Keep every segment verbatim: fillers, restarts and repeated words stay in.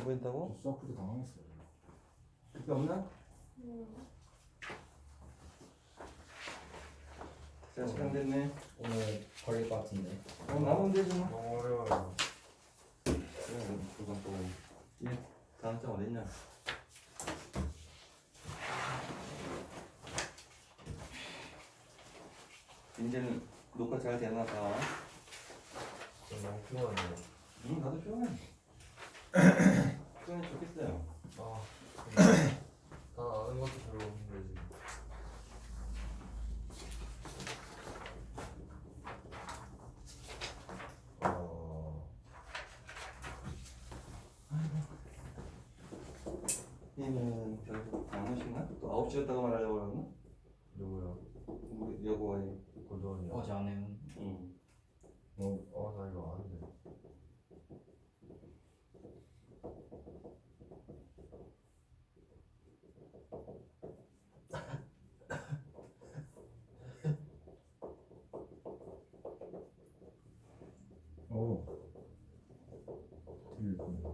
보인다고? 수학부도 당황했어요. 그게 없나? 음. 자, 시간 됐네. 오늘 걸릴 것 같은데. 어, 나오면 되지 뭐. 너무 어려워요. 그래, 그건 또. 예, 다음 장 어딨냐? 이제는 녹화 잘 되나 봐. 저 너무 피곤하네요. 응, 나도 피곤해. 피곤해 좋겠어요. 아, 근데 다 아는 것도 별로 없는데 지금. 어, 얘는 결국 강호신가? 또 아홉 시였다고 말하려고 그러나? 누구요? 우리 여보와의. 고도원이요. 어제 안 해요. 응. 어, 어, 나 이거 아는데. 오. 되게 예쁘네.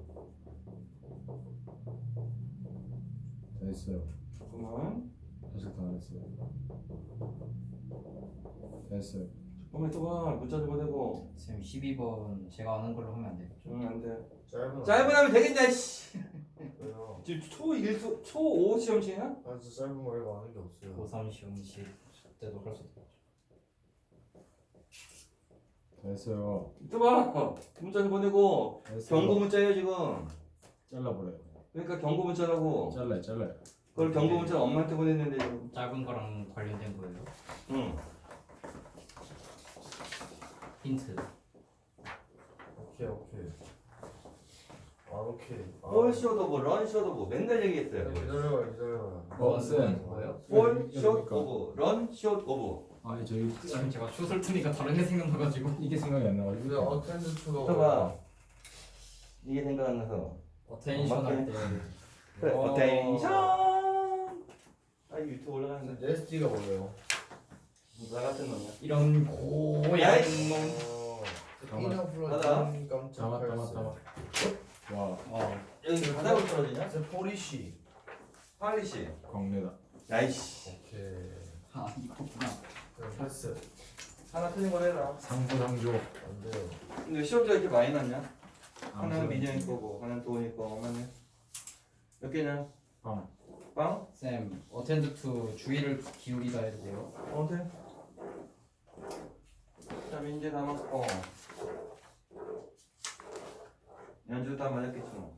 다 했어요. 잠깐만. 아직 다 안 했어요. 다 했어요. 잠깐만 있어봐. 문자 좀 보내고. 쌤 십이 번 제가 아는 걸로 하면 안 돼요? 응, 안 돼. 짧은. 짧은 하면 되겠냐, 씨. 왜요? 지금 초 일 수, 초 오 시험치냐? 아, 진짜 짧은 거 이거 아는 게 없어요. 고삼 시험식 때도 할 수도 있죠. 다 했어요. 있어봐. 문자 좀 보내고. 다 했어요. 경고 문자예요, 지금. 잘라버려요. 그러니까 경고 문자라고. 잘라요, 잘라요. 그걸 경고 문자 엄마한테 보냈는데, 지금. 짧은 거랑 관련된 거예요. 응. 힌트. 오케이, 오케이. 아, 오케이. 아, 볼 쇼도고, 런 쇼도고. 맨날 얘기했어요. 기다려요, 기다려요. 어, 쌤. 뭐예요? 볼 이거 숏 뭡니까? 오브, 런 숏 오브. 아니 저희 지금 제가 슛을 트니까 다른 게 생각나가지고. 이게 생각이 안 근데 나가지고. 어텐드 투가 있어봐. 이게 생각 안 나서. 어텐션 할 때. 그래, 어. 어텐션. 아, 이거 유튜브 올라가는데. 네스티가 뭐예요? 나 같은 놈이야. 이런 고양 야이씨. 놈. 어, 잠깐만. 이너플러 하나. 눈 깜짝 담아, 담아, 팔스. 담아. 와, 어. 여기 바닥으로 떨어지냐? 제 포리시. 파리시. 광내다. 야이씨. 오케이. 아 이거구나. 그럼 패스. 하나 틀린 거 해라. 상부상조. 안 돼요. 근데 시험지가 이렇게 많이 났냐? 하나는 아무튼 민영이 거고, 하나는 도훈이 거. 맞네. 몇 개냐? 빵. 빵? 쌤 어텐드 투 주의를 기울이다 해도 돼요. 어, 돼. 자, 민재 다 맞고. 연주 다 맞았겠지 뭐.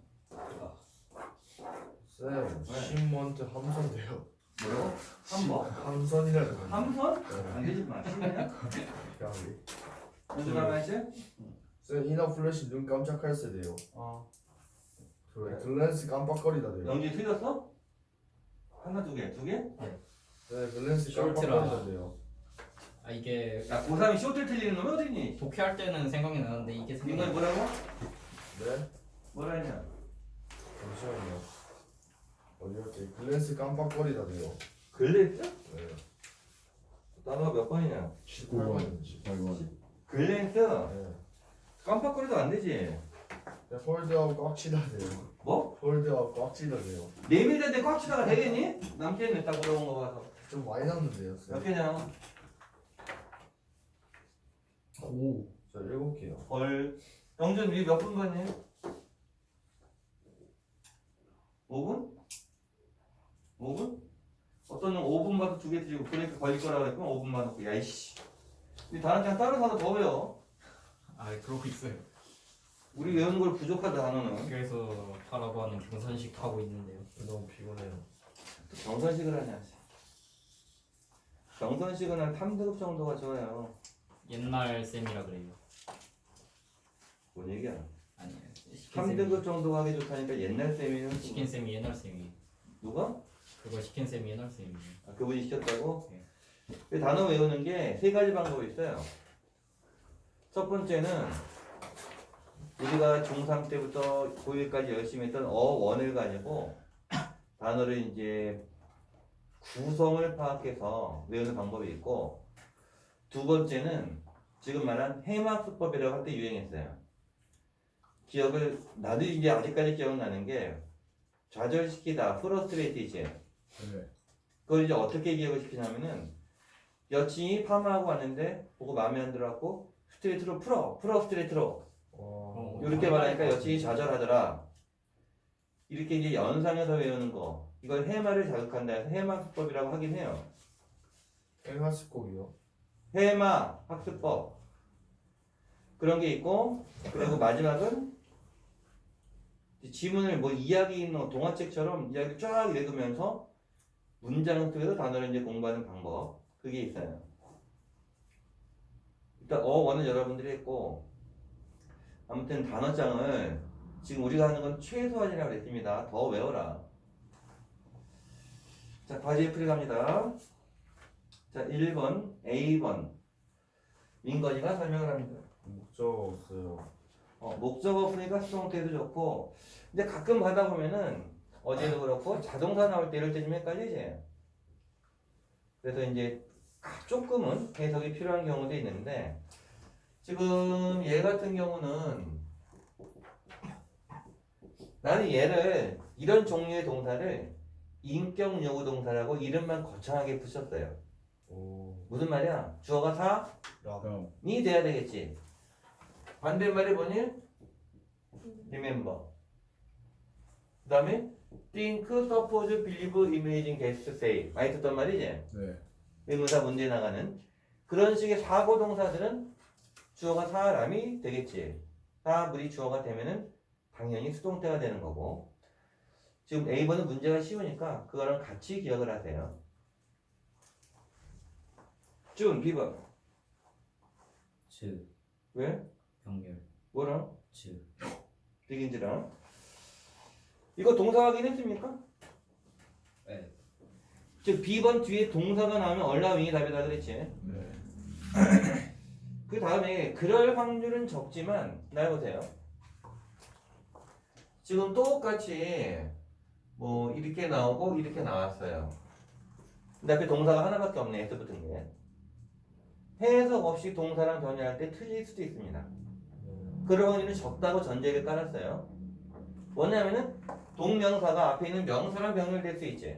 쌤, 왜? 신먼트 함선돼요. 뭐라고? 한 번? 함선이라는 거. 함선? 네. 안 되지 마. 신이냐? 까비. 연주 다 맞지? 쌤, 이너 플래시 눈 깜짝할 때 돼요. 어. 그래, 글랜스 깜빡거리다 돼요. 영지 틀렸어? 하나, 두 개, 두 개? 네, 글랜스 숄트라. 깜빡거리다 돼요. 아 이게 야, 고삼이 쇼트 틀리는 놈이 어딨니? 독해할 때는 생각이 나는데 이게 이거 생각이 뭐라고? 네? 뭐라 했냐? 잠시만요. 어디였지? 글랜스 깜빡거리다 돼요. 글래스? 네. 단어가 몇 번이냐? 십구 번, 십팔 번. 글랜스? 네. 깜빡거려도 안 되지. 네, 홀드하고 꽉 치다 돼요. 뭐? 홀드하고 꽉 치다 돼요. 내밀는데 꽉 치다가 되겠니? 남캐는 딱 물어본 거 봐서. 좀 많이 남는데요, 쌤. 몇 개냐? 오. 저 일곱 개요. 헐. 영준 우리 몇 분 봤니? 오 분? 오 분? 어떤 놈 오 분 봐도 두 개 드리고 그러니까 걸릴 거라고 했고 오 분만 놓고 야이씨. 우리 다른 장 따로 사서 더 외워. 아 그러고 있어요. 우리 외우는 걸 부족하다 단어는. 그래서 하라고 하는 경선식 하고 있는데요. 너무 피곤해요. 또 경선식을 하냐. 경선식은 한 삼 등급 정도가 좋아요. 옛날 쌤이라 그래요. 뭔 얘기야? 아니에요. 삼 등급 정도 하기 좋다니까 옛날 쌤이는 시킨 쌤이 옛날 쌤이. 누가? 그거 시킨 쌤이 옛날 쌤이에요. 아, 그분이 시켰다고? 네. 그 단어 외우는 게 세 가지 방법이 있어요. 첫 번째는 우리가 중삼 때부터 고일까지 열심히 했던 어원을 가지고 단어를 이제 구성을 파악해서 외우는 방법이 있고, 두 번째는 지금 말한 해막수법이라고 할 때 유행했어요. 기억을 나도 이제 아직까지 기억나는 게 좌절시키다, 프러스트레이트이지. 네. 그걸 이제 어떻게 기억을 시키냐면은 여친이 파마하고 왔는데 보고 마음에 안 들어갖고 스트레이트로 풀어, 풀어 스트레이트로 와. 이렇게 말하니까 여친이 좌절하더라. 이렇게 이제 연상해서 외우는 거 이걸 해마를 자극한다 해서 해마학습법이라고 하긴 해요. 행하스곡이요. 해마 학습법 그런 게 있고 그리고 마지막은 지문을 뭐 이야기 있는 동화책처럼 이야기 쫙 읽으면서 문장 속에서 단어를 이제 공부하는 방법 그게 있어요. 일단 어원은 여러분들이 했고 아무튼 단어장을 지금 우리가 하는 건 최소한이라고 그랬습니다. 더 외워라. 자 과제 풀이 갑니다. 자 일 번 에이 번 민건이가 설명을 합니다. 목적 없어요. 어, 목적 없으니까 수동태도 좋고 근데 가끔 가다 보면은 어제도 그렇고 자동사 나올 때 이럴 때 좀 헷갈리지. 그래서 이제 조금은 해석이 필요한 경우도 있는데 지금 얘 같은 경우는 나는 얘를 이런 종류의 동사를 인격 요구 동사라고 이름만 거창하게 붙였어요. 오. 무슨 말이야? 주어가 사니 형. 돼야 되겠지. 반대말이 뭐니? remember. 그 다음에 think, suppose, believe, imagine, guess, say 많이 듣던 말이지? 네. 의문사 문제 나가는 그런 식의 사고 동사들은 주어가 사람이 되겠지. 사물이 주어가 되면은 당연히 수동태가 되는 거고 지금 에이 번은 문제가 쉬우니까 그거랑 같이 기억을 하세요. 준, 비 번 즈 왜? 병렬 뭐랑? 즈 비긴즈랑 이거 동사 확인했습니까? 네. 즉 비 번 뒤에 동사가 나오면 얼라윙이 답이다 그랬지. 네. 그 다음에 그럴 확률은 적지만 날 보세요. 지금 똑같이 뭐 이렇게 나오고 이렇게 나왔어요. 근데 앞에 동사가 하나밖에 없네. S 붙은 게. 해석 없이 동사랑 변형할 때 틀릴 수도 있습니다. 그럴 확률은 적다고 전제를 깔았어요. 뭐냐면은 동명사가 앞에 있는 명사랑 병렬될 수 있지.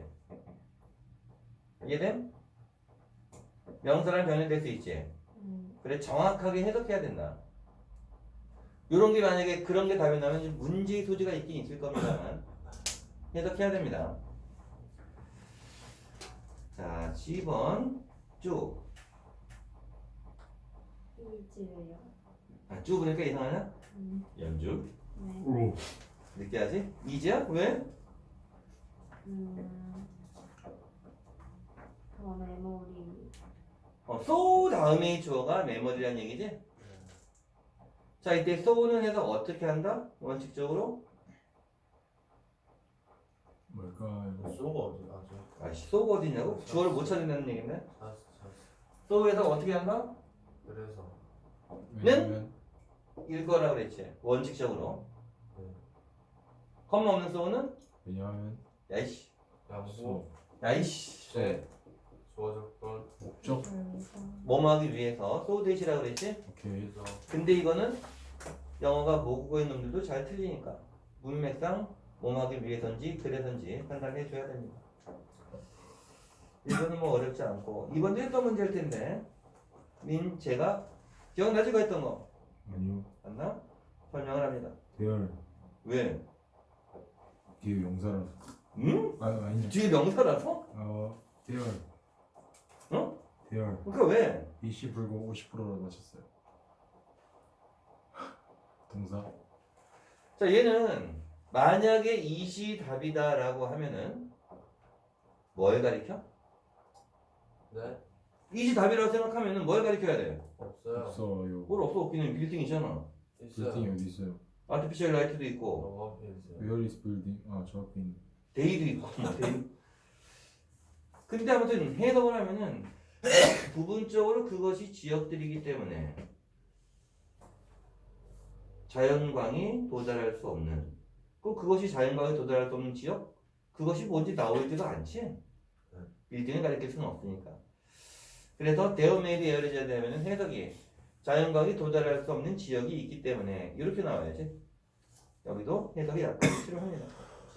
이해됨? 명사랑 병렬될 수 있지. 그래 정확하게 해석해야 된다. 요런 게 만약에 그런 게 답이 나면 문제의 소지가 있긴 있을 겁니다만 해석해야 됩니다. 자, 십 번 쭉. 이즈요. 아, 쭉 그러니까 이상하냐? 음, 연주. 네. 오. 느끼하지? 이지야? 왜? 음, 더 메모리. 어, so 다음에 주어가 메모리란 얘기지? 자, 이때 so는 해석 어떻게 한다? 원칙적으로? 뭘까요? 소가 어디 아직 아, so가 어디냐고? 주어를 못 찾는다는 얘기인데? 잤어 잤어. so 해석 어떻게 한다? 그래서 왜냐면 읽거라 그랬지. 원칙적으로. 네. 컴마 없는 so는? 왜냐면 야이씨. 양보 야이씨. 네. 조화조건 목적. 뭐뭐 하기 위해서 so 대시라 그랬지? 오케이. 그래서 근데 이거는 영어가 모국어인 놈들도 잘 틀리니까 문맥상 뭐뭐 하기 위해서인지 그래서인지 판단해 줘야 됩니다. 이거는 뭐 어렵지 않고 이번도 했던 문제일 텐데 민 제가 기억나지 가 했던 거 아니요. 맞나? 설명을 합니다. 대열. 왜? 뒤에 용사라서. 응? 아 아니요. 뒤에 명사라서? 어 대열. 어? 대열. 그러니까 왜? 이십 불고 오십 퍼센트로 맞췄어요. 동사. 자 얘는 만약에 이시 답이다라고 하면은 뭘 가리켜? 네 이시 답이라고 생각하면은 뭘 가리켜야 돼? 없어요. 없어요. 뭘 없어 없기는 빌딩이잖아. 있어요. 빌딩이 어디 있어요? 아티피셜 라이트도 있고 너무 앞에 있어요. Where is building? 아저 앞에 있는. 데이도 있고 뭐 데이. 근데 아무튼 해석을 하면은 부분적으로 그것이 지역들이기 때문에 자연광이 도달할 수 없는 꼭 그것이 자연광이 도달할 수 없는 지역? 그것이 뭔지 나오지도 않지. 빌딩을 가리킬 수는 없으니까. 그래서 데어메이드 에어리즈에 되면 해석이 자연광이 도달할 수 없는 지역이 있기 때문에 이렇게 나와야지. 여기도 해석이 약간 필요합니다.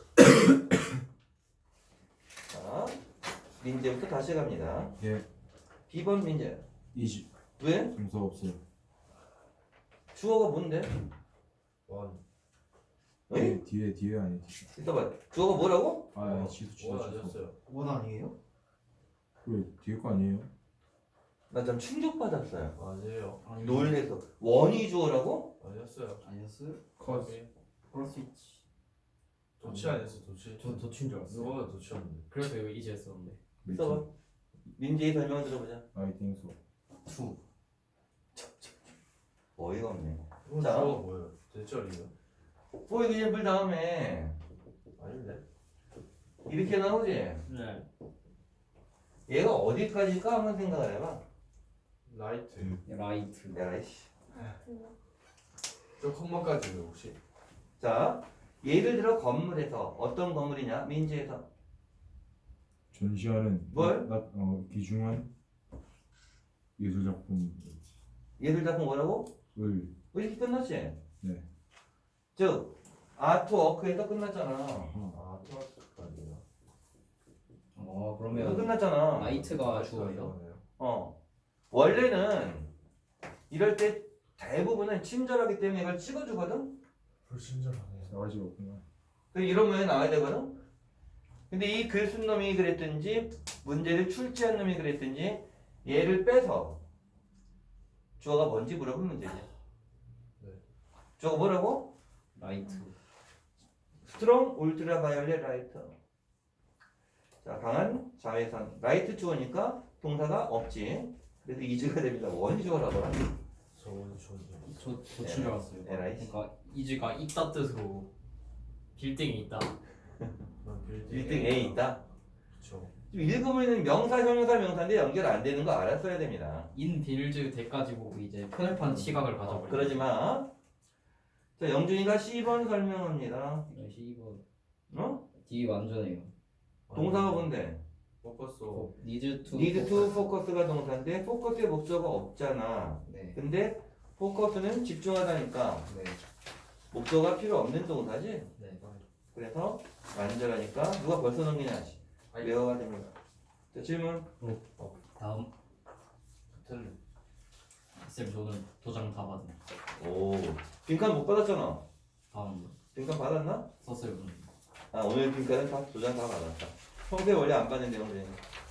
자, 민재부터 다시 갑니다. 예. B번 민재. 이십. 왜? 동사 없어요. 주어가 뭔데? 원. 응? 뒤에 뒤에 뒤에 아니 뒤에. 있어봐. 주어가 뭐라고? 아 아니, 지수 지수 원 지수. 아니었어요. 원 아니에요? 왜 뒤에 거 아니에요? 나 좀 충격받았어요. 아니에요. 놀래서. 원이 주어라고? 아니었어요. 아니었어요? 컷. 그럴 수 있지. 도치 아니었어 도치. 저 도친 줄 알았어요. 누가 도치였는데. 그래서 이거 이제 했었는데. 있어봐. 민재의 설명 들어보자. I think so. 투. 어이가 없네. 이건 자. 주어가 뭐예요? 대절이요? for example 다음에 아닌데. 이렇게 나오지? 네. 얘가 어디까지일까 한번 생각을 해봐. 라이트. 라이트. 야, 이씨. 저 콤마까지요 혹시? 자, 예를 들어 건물에서 어떤 건물이냐? 민지에서 전시하는 뭘? 나, 어, 귀중한 예술 작품을 예술 작품 뭐라고? 이렇게 끝났지? 네. 즉 아트워크에서 끝났잖아. 아 토마토까지요. 어 이거 그러면 끝났잖아. 라이트가 주어예요? 어. 원래는 이럴 때 대부분은 친절하기 때문에 이걸 찍어주거든. 불친절하네. 싸가지가 없구나. 그 이런 모양이 나와야 되거든. 근데 이 글 쓴 놈이 그랬든지 문제를 출제한 놈이 그랬든지 얘를 빼서 주어가 뭔지 물어보면 문제지. 네. 주어가 뭐라고? 라이트. 스트롱 울트라 바이올렛 라이트. 자, 강한 자외선. 라이트 주어니까 동사가 없지. 그래서 이즈가 됩니다. 원이 주어라고. 저건 주어죠. 저 도친 줄 알았어요. 에라이. 그러니까 이즈가 있다 뜻으로 빌딩이 있다. 그럼 빌딩 일 등 A 있다. 그렇죠. 지금 읽으면 명사, 형용사, 명사인데 연결 안 되는 거 알았어야 됩니다. 인 빌즈 대까지 보고 이제 편협한 시각을 어, 가져버려. 그러지 마. 자, 영준이가 십 번 설명합니다. 이번 어? D 완전해요. 동사가 뭔데? 포커스. 어, need to need to focus가 동사인데 포커스의 목적어가 없잖아. 네. 근데 포커스는 집중하다니까 네. 목적어가 필요 없는 동사지. 네. 그래서 완전하니까 누가 벌써 넘기냐? 아니. 외워야 됩니다. 자, 질문. 다음 틀린. 쌤 저는 도장 다 받은. 오, 빈칸 못 받았잖아. 다음 빈칸 받았나? 썼어요. 오늘. 아, 오늘 빈칸은 다 도장 다 받았다. 평소에 원래 안 받는데 오늘.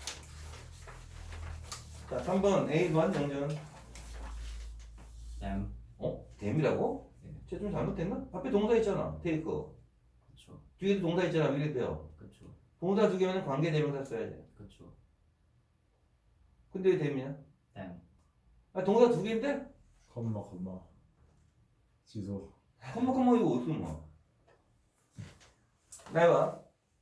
자, 삼 번 A 일 영준. 쌤. 어? 댐이라고? 네. 쟤좀 잘못됐나? 앞에 동사 있잖아. 테이크. 그렇죠. 뒤에도 동사 있잖아. 미리 빼요. 그렇죠. 동사 두 개면 관계 대명사 써야 돼. 그렇죠. 근데 왜 댐이냐? 쌤. 아, 동사 두 개인데? 컴마 컴마. 지수. 컴마 컴마 이거 어디서 뭐? 나 해봐.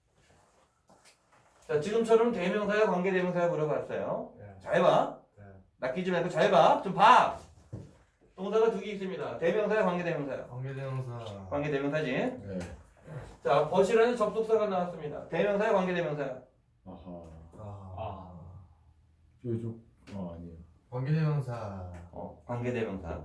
자, 지금처럼 대명사야 관계 대명사야 물어봤어요. 네. 잘 봐. 네. 낚이지 말고 잘 봐. 좀 봐. 동사가 두 개 있습니다. 대명사야 관계 대명사야. 관계대명사. 관계 대명사지. 네. 자, 버시라는 접속사가 나왔습니다. 대명사야 관계 대명사야. 아하. 아. 아. 뾰족. 어 아니에요. 관계대명사. 어, 관계 대명사.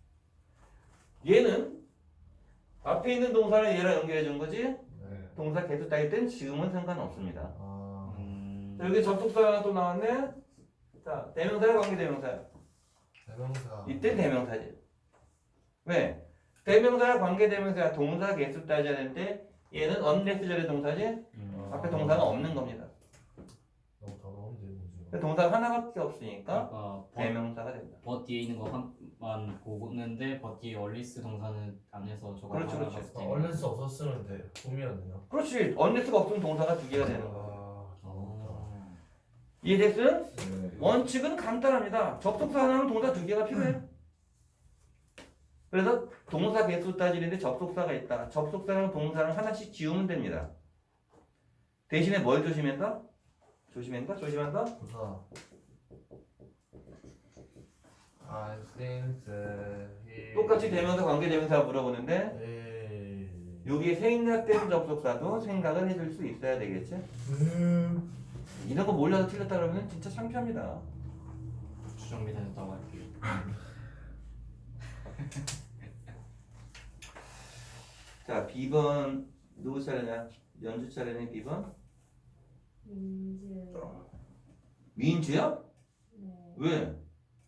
얘는 앞에 있는 동사를 얘랑 연결해 준 거지. 네. 동사 계속 따일 땐 지금은 상관없습니다. 아. 음. 자, 여기 접속사가 하나 또 나왔네. 자, 대명사야 관계 대명사야. 대명사. 이때 대명사지. 왜? 대명사야 관계 대명사야 동사 개수 따져야 되는데 얘는 unless 절의 동사지. 음. 앞에 동사가 없는 겁니다. 너무 더러운데 문제가. 근데 동사가 하나밖에 없으니까 그러니까 버, 대명사가 된다. 버 뒤에 있는 거만 보는데 버 뒤에 얼리스 동사는 안 해서 저거 그렇죠, 하나 그렇죠. 봤을 아, 때. 얼른 써 없었으면 돼. 꿈이었네요. 그렇지. unless가 없으면 동사가 두 개가 되는 거야. 아. 어. 이해됐음? 네. 원칙은 간단합니다. 접속사 하나는 동사 두 개가 필요해. 그래서 동사 개수 따지는데 접속사가 있다. 접속사랑 동사랑 하나씩 지우면 됩니다. 대신에 뭘 조심한다? 조심한다? 조심한다? 부사. I think that he. 똑같이 대명사 관계 대명사 물어보는데 에이. 여기에 생략된 접속사도 생각을 해줄 수 있어야 되겠지? 음. 이런 거 몰라서 틀렸다 그러면 진짜 창피합니다. 주정비 다녔다고 할게요. 자, B번 누구 차례냐? 연주 차례네, B번. 민주요. 민주야? 네. 왜?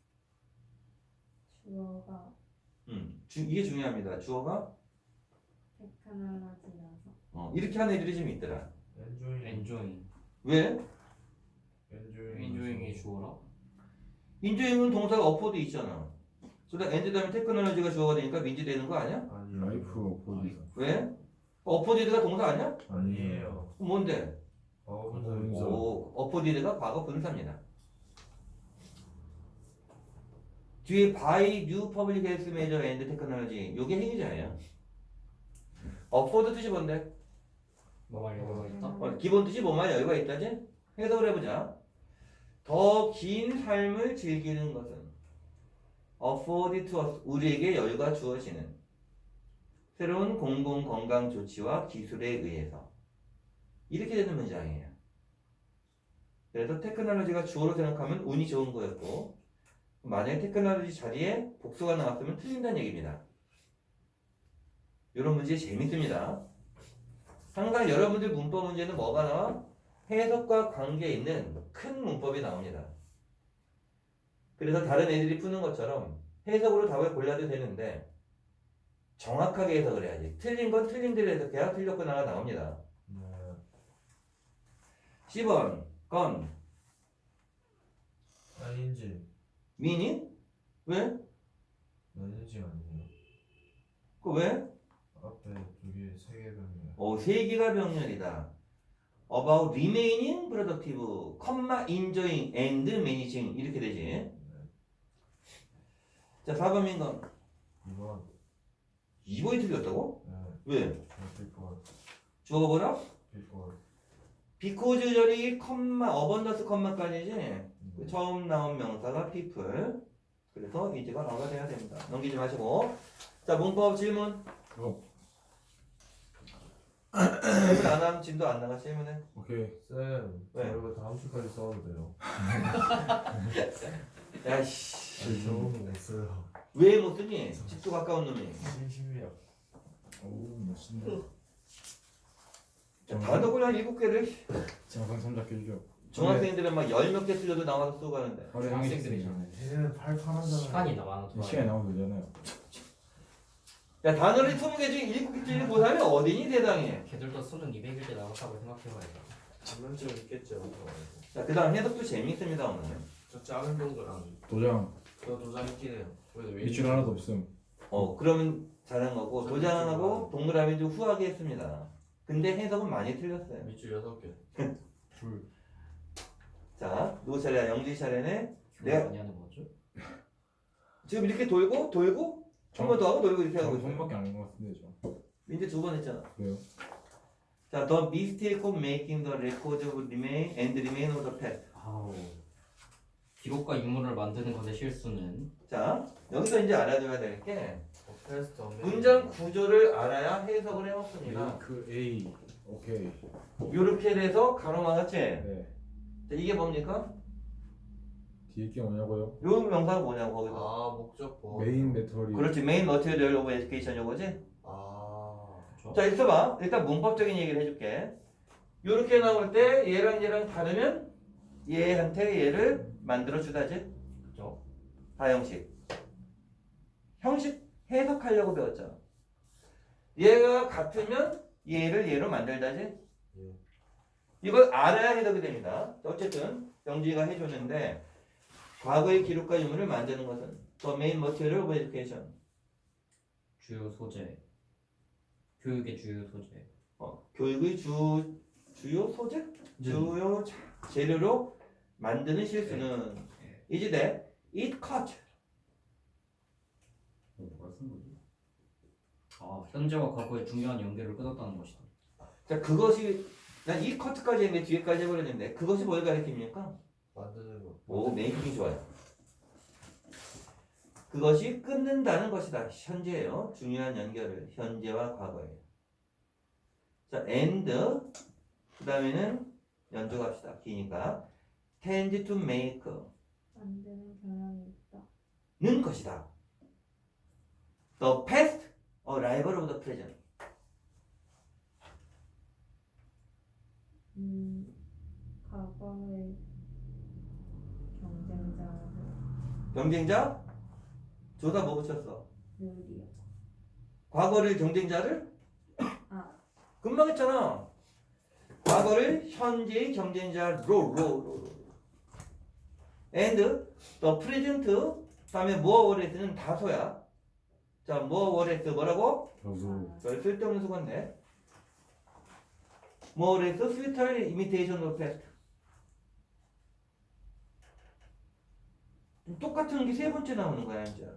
주어가 음, 주, 이게 중요합니다. 주어가 테크놀로지라서. 어, 이렇게 하는 애들이 좀 있더라. 엔조잉. 엔조잉. 왜? 엔조잉. 엔조잉이 주어라? 인조잉은 동사가 어포드 있잖아. 그러다 엔드 다음에 테크놀로지가 주어가 되니까 민지 되는 거 아니야? 아니에요. 라이프 어포지사. 왜? 어포디드가 동사 아니야? 아니에요. 그럼 뭔데? 과거 과거 분사. 분사. 오, 어포디드가 과거 분사입니다. 뒤에 by new public health measure and technology 요게 행위자예요. 어포드 뜻이 뭔데? 뭐말 여유가 있다? 어, 기본 뜻이 뭐만 여유가 있다지? 해석을 해보자. 더 긴 삶을 즐기는 것은 afford to us, 우리에게 여유가 주어지는 새로운 공공 건강 조치와 기술에 의해서 이렇게 되는 문장이에요. 그래서 테크놀로지가 주어로 생각하면 운이 좋은 거였고 만약에 테크놀로지 자리에 복수가 나왔으면 틀린다는 얘기입니다. 이런 문제 재밌습니다. 항상 여러분들 문법 문제는 뭐가 나와? 해석과 관계 있는 큰 문법이 나옵니다. 그래서 다른 애들이 푸는 것처럼 해석으로 답을 골라도 되는데 정확하게 해석을 해야지. 틀린 건 틀린 대로 해석해야 틀렸거나가 나옵니다. 네. 십 번 건 아닌지. 미니? 왜? 아닌지 아니에요. 그 왜? 앞에 두개 세 개 병이에요. 오, 세 개가 병렬이다. About remaining productive, comma, enjoying and managing 이렇게 되지. 자, 사 번 민건 이번. 이 번이 틀렸다고? 네. 왜? 빌보드. 주어가 뭐라? 빌보드. because 절이 컴마, 어번더스 컴마까지지. 처음 나온 명사가 people. 그래서 이제가 나가 돼야 됩니다. 넘기지 마시고. 자, 문법 질문. 어, 질문 안 하면 진도 안 나가. 질문해. 오케이. 쌤, 저 왜? 이거 다음 주까지 써도 돼요. 야씨. 아니, 저는 못 써요. 왜 못 쓰니? 집도 가까운 놈이. 심심해요. 오, 멋있네. 자, 단어를 한 일곱 개를 정상 삼작 해주죠. 중학생들은 막 열 몇 개 쓰려도 나와서 쓰고 가는데. 하루에 한 개씩 쓰잖아요. 얘는 팔팔하잖아요. 시간이 남아서 돌아요. 시간이 나오면 되잖아요. 야, 단어를 스무 개 중에 일곱 개쯤 못하면 어디니 세상에. 걔들도 수능 이백일 때 나왔다고 생각해봐야죠. 장난점 있겠죠. 자, 그 다음 해석도 재미있습니다 오늘. 저 작은 병도랑 도장 저 도장 있긴 해요. 그래도 왜 밑줄 하나도 없음. 어, 그러면 잘한 거고 도장하고 동그라미 좀 후하게 했습니다. 근데 해석은 많이 틀렸어요. 밑줄 여섯 개. 둘. 자, 누구 차례야? 영지 차례네. 교육 네. 많이 하는 거죠? 지금 이렇게 돌고 돌고 한 번 더 하고 돌고 이렇게 하고 저 있어요. 손밖에 안 한 것 같은데 저. 이제 두 번 했잖아. 왜요? 자, the mistake of making the record of remain and remain of the past. 아우. 기록과 유물을 만드는 것의 실수는 자, 여기서 이제 알아줘야 될 게 어, 테스트 없네. 문장 구조를 알아야 해석을 해먹습니다. 그 A. 오케이. 이렇게 돼서 가로막았지. 네. 자, 이게 뭡니까? 뒤에 게 뭐냐고요? 요 명사가 뭐냐고 거기서. 아 목적보. 메인 배터리. 그렇지, 메인 머티리얼 오브 에듀케이션 요거지. 아. 그렇죠? 자, 있어봐. 일단 문법적인 얘기를 해줄게. 요렇게 나올 때 얘랑 얘랑 다르면 얘한테 얘를 만들어 주다지. 그죠? 다형식. 형식 해석하려고 배웠잖아. 얘가 같으면 얘를 얘로 만들다지. 예. 이걸 알아야 해석이 됩니다. 어쨌든 영지가 해줬는데 과거의 기록과 유물을 만드는 것은 the main material of education. 주요 소재. 교육의 주요 소재. 어, 교육의 주 주요 소재? 주요 자- 재료로 만드는 실수는 이제 돼. It cut. 뭐가 쓴 거지? 아, 현재와 과거의 중요한 연결을 끊었다는 것이다. 자, 그것이 난 이 커트까지 했는데 뒤에까지 해버렸는데 그것이 뭘 가리킵니까? 만드는 거. 오, 메이킹 좋아요. 그것이 끊는다는 것이다. 현재예요. 중요한 연결을 현재와 과거에. 자, and 그 다음에는 연주합시다. 기니까 tend to make 만드는 경향이 있다. 는 것이다. The past a rival of the present. 경쟁자? 조사 뭐 붙였어? 늘이요. 과거를 경쟁자를? 아, 금방 했잖아. 과거를 현재의 경쟁자로 로, 로, 로. and the present 다음에 more or less는 다소야. 자, more or less 뭐라고? 저수 별 쓸데없는 수건네. more or less futile imitation of past. 똑같은 게 세 번째 나오는 거야 이제.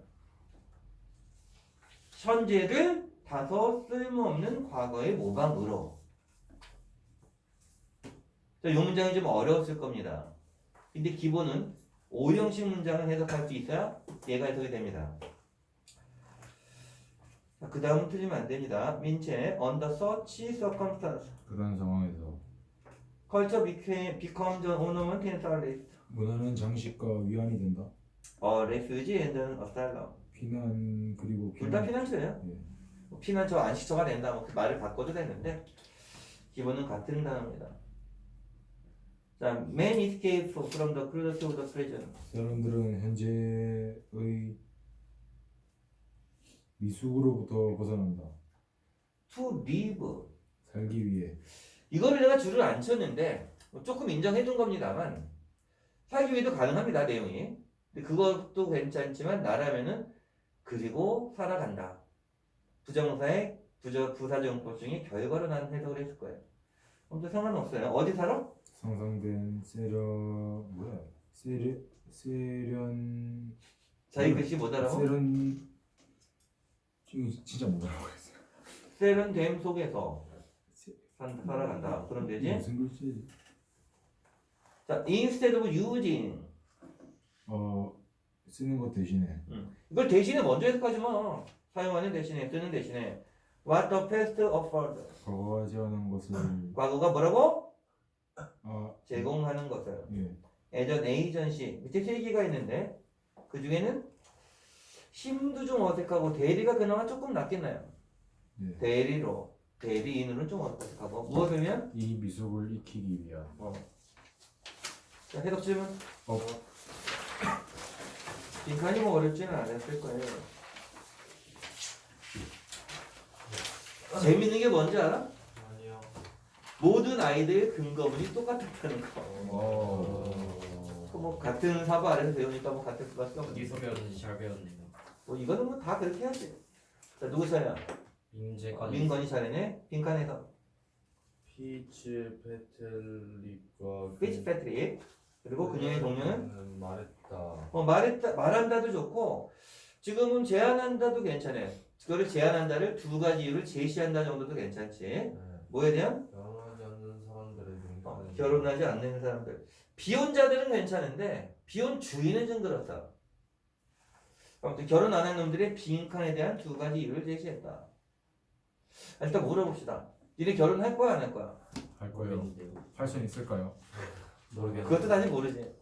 현재를 다소 쓸모없는 과거의 모방으로. 자, 이 문장이 좀 어려웠을 겁니다. 근데 기본은 오형식 문장을 해석할 수 있어야 얘가 해석이 됩니다. 그 다음은 틀리면 안 됩니다. 민채 under such circumstance 그런 상황에서 culture became, becomes an ornament and solace. 문화는 장식과 위안이 된다. 어, refuge and an asylum. 피난 그리고 둘 다 피난 피난처예요. 예. 뭐 피난처 안식처가 된다. 뭐 그 말을 바꿔도 되는데 기본은 같은 단어입니다. 자, man escapes from the cruelty of the prison. 사람들은 현재의 미숙으로부터 벗어난다. To live. 살기 위해 이거를 내가 줄을 안 쳤는데 조금 인정해 준 겁니다만 살기 위해도 가능합니다 내용이. 근데 그것도 괜찮지만 나라면은 그리고 살아간다. 부정사의 부저 부사정법 중에 결과로 난 해석을 했을 거예요. 아무튼 상관없어요. 어디 살아? 상상된 세련 뭐야 세련 세련 자기 글씨 못 알아보? 세련 지금 진짜 못 알아보겠어요. 세련됨 속에서 세- 산- 살아간다. 그럼 되지? 무슨 글씨지? 자, instead of using. 어 쓰는 것 대신에 음. 이걸 대신에 먼저 해석하지 마. 사용하는 대신에 쓰는 대신에 what the past offered. 과거가 제안한 것을 과거가 뭐라고? 아 제공하는 것을. 예 as an agency. 밑에 세 개가 있는데 그 중에는 힘도 좀 어색하고 대리가 그나마 조금 낫겠나요? 예. 대리로 대리인으로는 좀 어색하고 무엇이면 이 미숙을 익히기 위한 어. 자, 해석 질문. 어 빈칸이 뭐 어렵지는 않았을 거예요. 재밌는 게 뭔지 알아? 아니요. 모든 아이들의 근거문이 똑같았다는 거. 어. 뭐 같은 사고 아래서 배우니까 뭐 같을 수밖에 없는. 어디서 배웠는지 잘 배웠네요. 뭐 이거는 뭐 다 그렇게 해야지. 자, 누구 차례야? 민재관 민건이 차례네. 빈칸에서 피츠 페텔릭과 피치 패트릭. 그리고 그녀의 동료는 말했다. 어, 말했다, 말한다도 좋고 지금은 제안한다도 괜찮아요. 그거를 제안한다를 두 가지 이유를 제시한다 정도도 괜찮지. 네. 뭐에 대한? 결혼하지 않는 사람들의 어, 민간은 결혼하지 않는 사람들. 비혼자들은 괜찮은데 비혼 주인은 좀 그렇다. 아무튼 결혼 안 한 놈들의 빈칸에 대한 두 가지 이유를 제시했다. 아, 일단 물어봅시다. 니네 결혼할 거야 안 할 거야? 할 거예요. 모르겠는데요. 할 수는 있을까요? 모르겠는데. 그것도 사실 모르지.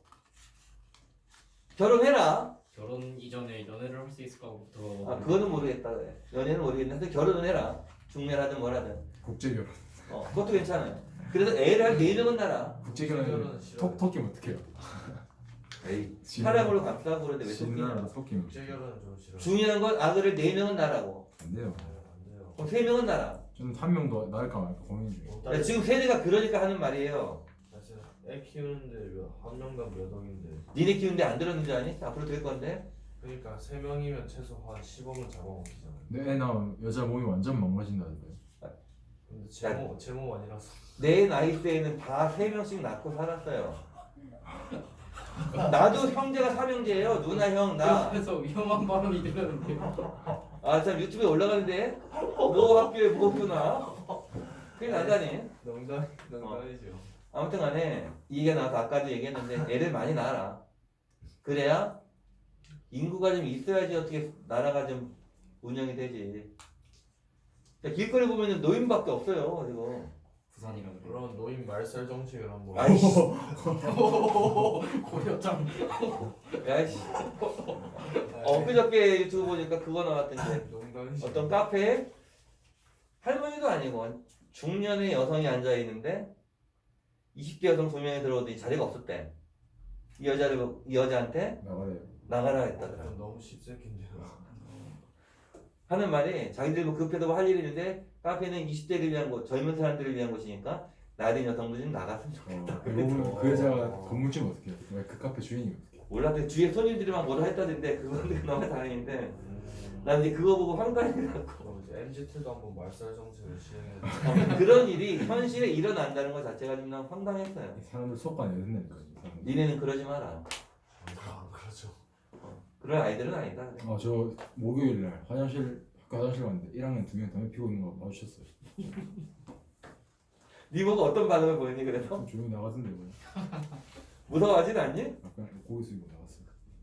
결혼해라. 결혼 이전에 연애를 할 수 있을까부터. 아, 그거는 모르겠다 그래. 연애는 모르겠는데 결혼은 해라. 중매라든 뭐라든. 국제 결혼. 어, 그것도 괜찮아요. 그래서 애를 한 네 명은 낳아. 국제 결혼은 결혼은 싫어요. 톡 톡이면 어떡해요? 에이, 진- 사람으로 감싸고 그러는데 왜 진나라 속이냐. 섞이면 국제 결혼은 좀 싫어. 중요한 건 아들을 네 명은 낳으라고. 안 돼요. 네, 안 돼요. 그럼 세 명은 낳아. 저는 한 명도 낳을까 말까 고민 중이에요. 어, 야, 딸- 지금 세대가 그러니까 하는 말이에요. 나 진짜 애 키우는데 몇- 한 명당 몇 억인데. 니네 키우는데 안 들었는 줄 아니? 앞으로 될 건데. 그러니까 세 명이면 최소 한 십억은 잡아먹히잖아. 근데 애 낳으면 여자 몸이 완전 망가진다는데. 근데 제몸 제몸 아니라서. 내 나이 때에는 다 세 명씩 낳고 살았어요. 나도 형제가 삼형제예요. 누나, 형, 나. 옆에서 위험한 발언이 들렸는데요. 아, 참 유튜브에 올라가는데 뭐 학교에 뭐 학교나. 그게 나다니. 농담 농담이죠. 아무튼 간에 이 얘기가 나와서 아까도 얘기했는데 애를 많이 낳아라. 그래야 인구가 좀 있어야지 어떻게 나라가 좀 운영이 되지. 야, 길거리 보면은 노인밖에 없어요 지금. 부산이라 그래요. 그런 노인 말살 정책을 한번. 아이씨, 고려장. 야이씨. 어, 그저께 유튜브 보니까 그거 나왔던데 농담이죠. 어떤 카페에 할머니도 아니고 중년의 여성이 앉아 있는데 이십 대 여성 두 명이 들어오더니 자리가 없었대. 이 여자를 이 여자한테 나가래요. 나가라 했다더라. 좀 너무 십새끼인데요. 하는 말이 자기들 뭐 급해도 뭐 할 일이 있는데 카페는 이십 대를 위한 곳, 젊은 사람들을 위한 곳이니까 나이 든 여성도 좀 나갔으면 좋겠다. 어, 그러고 그 여자가 건물주는 어떻게 해요? 왜 그 카페 주인이 어떻게 해요? 몰라, 그 주위에 손님들이만 뭐라 했다던데 그건 그나마 다행인데 음. 난 이제 그거 보고 황당해갖고 그럼 이제 엠지트도 한번 말살 정책을 시행해. 그런 일이 현실에 일어난다는 것 자체가 좀 난 황당했어요. 이 사람들 수업관에 여든다니까 이 사람들. 니네는 그러지 마라. 안 그러죠. 그럴 아이들은 아니다. 아, 저 목요일 날 화장실 학교 화장실 갔는데 일 학년 두 명 담배 피고 있는 거 마주쳤어요. 니 보고 어떤 반응을 보이니 그래서? 좀 조용히 나가던데 뭐. 무서워하진 않니? 약간 고개 숙이고 나갔어요.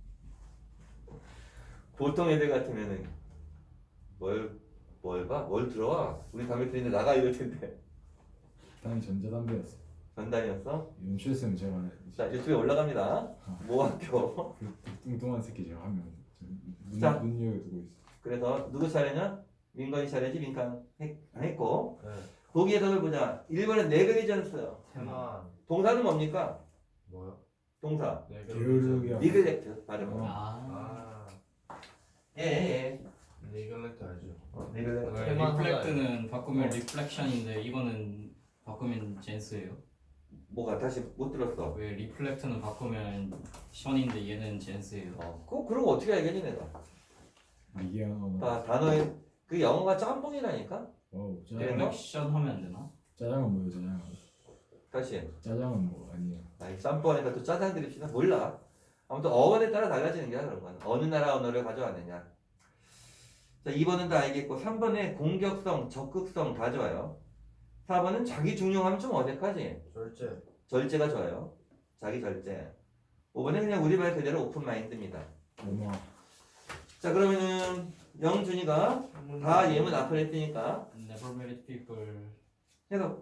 보통 애들 같으면은 뭘, 뭘 봐? 뭘 들어와? 우리 담배 피는데 나가 이럴 텐데. 다행히 전자담배였어요. 전단이었어? 연출했으면 제가 자, 유튜브에 올라갑니다. 모학교. 그 뚱뚱한 새끼 제가 한 명. 눈, 자. 눈여겨두고 있어. 그래서 누구 차례냐? 민건이 차례지. 민간 했, 했고 네. 거기에서 보자. 일 번은 네글리전스. 테만 동사는 뭡니까? 뭐요? 동사. 네, 게으르게 니글렉트 발음. 어. 아, 아, 예, 예. 네글렉트 알죠? 어, 니글렉트. 왜 테만 리플렉트는 바꾸면 어. 리플렉션인데 이거는 바꾸면 젠스예요? 뭐가 다시 못 들었어. 왜 리플렉트는 바꾸면 션인데 얘는 젠스예요? 어, 그 그런 거 어떻게 알겠니 내가? 미개한 언어. 다 단어에 그 영어가 짬뽕이라니까. 와우. 짜장. 네. 리플렉션 하면 안 되나? 짜장은 뭐예요? 짜장. 다시. 짜장은 뭐 아니에요. 아이 짬뽕하니까 또 짜장 드립시다. 몰라. 아무튼 어원에 따라 달라지는 게 그런 거는 어느 나라 언어를 가져왔느냐. 자, 이 번은 다 알겠고 삼 번에 공격성, 적극성 다 좋아요. 사 번은 자기 중용하면 좀 어색하지. 절제. 절제가 좋아요. 자기 절제. 오 번은 그냥 우리 말 그대로 오픈 마인드입니다. 엄마. 자, 그러면은 영준이가 다 예문 앞을 했으니까 Never married people. 해서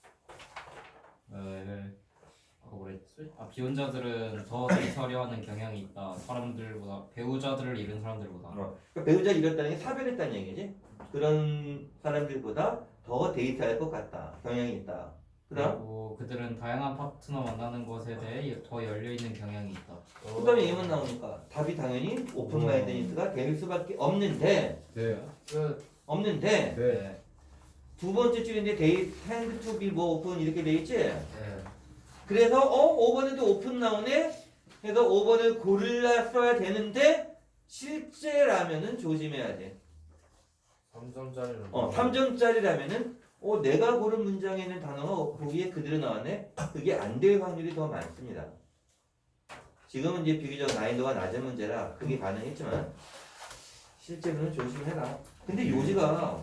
에, 아까 뭐랬지? 아 비혼자들은 더 데이트하려하는 경향이 있다. 사람들보다 배우자들을 잃은 사람들보다. 어, 그러니까 배우자 잃었다는 게 사별했다는 얘기지. 그런 사람들보다 더 데이트할 것 같다. 경향이 있다. 그다음 그리고 그들은 다양한 파트너 만나는 것에 대해 더 열려 있는 경향이 있다. 그다음에 예문 나오니까 답이 당연히 오픈 마인드니스가 될 수밖에 없는데 네. 끝. 없는데 네. 두 번째 줄인데 데이 텐드 투 비 뭐 오픈 이렇게 돼 있지. 네. 그래서 어 오 번에도 오픈 나오네. 그래서 오 번을 골라 써야 되는데 실제라면은 조심해야지. 삼 점짜리는 어 삼 점짜리라면은 어 내가 고른 문장에 있는 단어가 거기에 그대로 나왔네. 그게 안 될 확률이 더 많습니다. 지금은 이제 비교적 난이도가 낮은 문제라 그게 가능했지만 실제로는 조심해라. 근데 요지가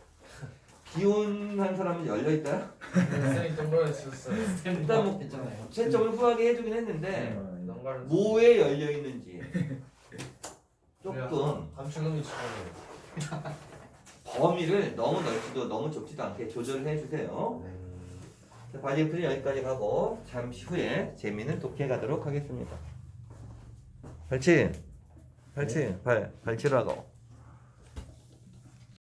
기혼한 사람은 열려 있다. 쌤이 동그라미 쳤어요. 일단 뭐 했잖아요. 채점을 후하게 해주긴 했는데 난가를 뭐에 열려 있는지 조금 감추놈이 치고는. 범위를 너무 넓지도 너무 좁지도 않게 조절을 해주세요. 자, 바디 풀이 여기까지 가고 잠시 후에 재미는 독해 가도록 하겠습니다. 발치, 발치, 발, 발치로 하고.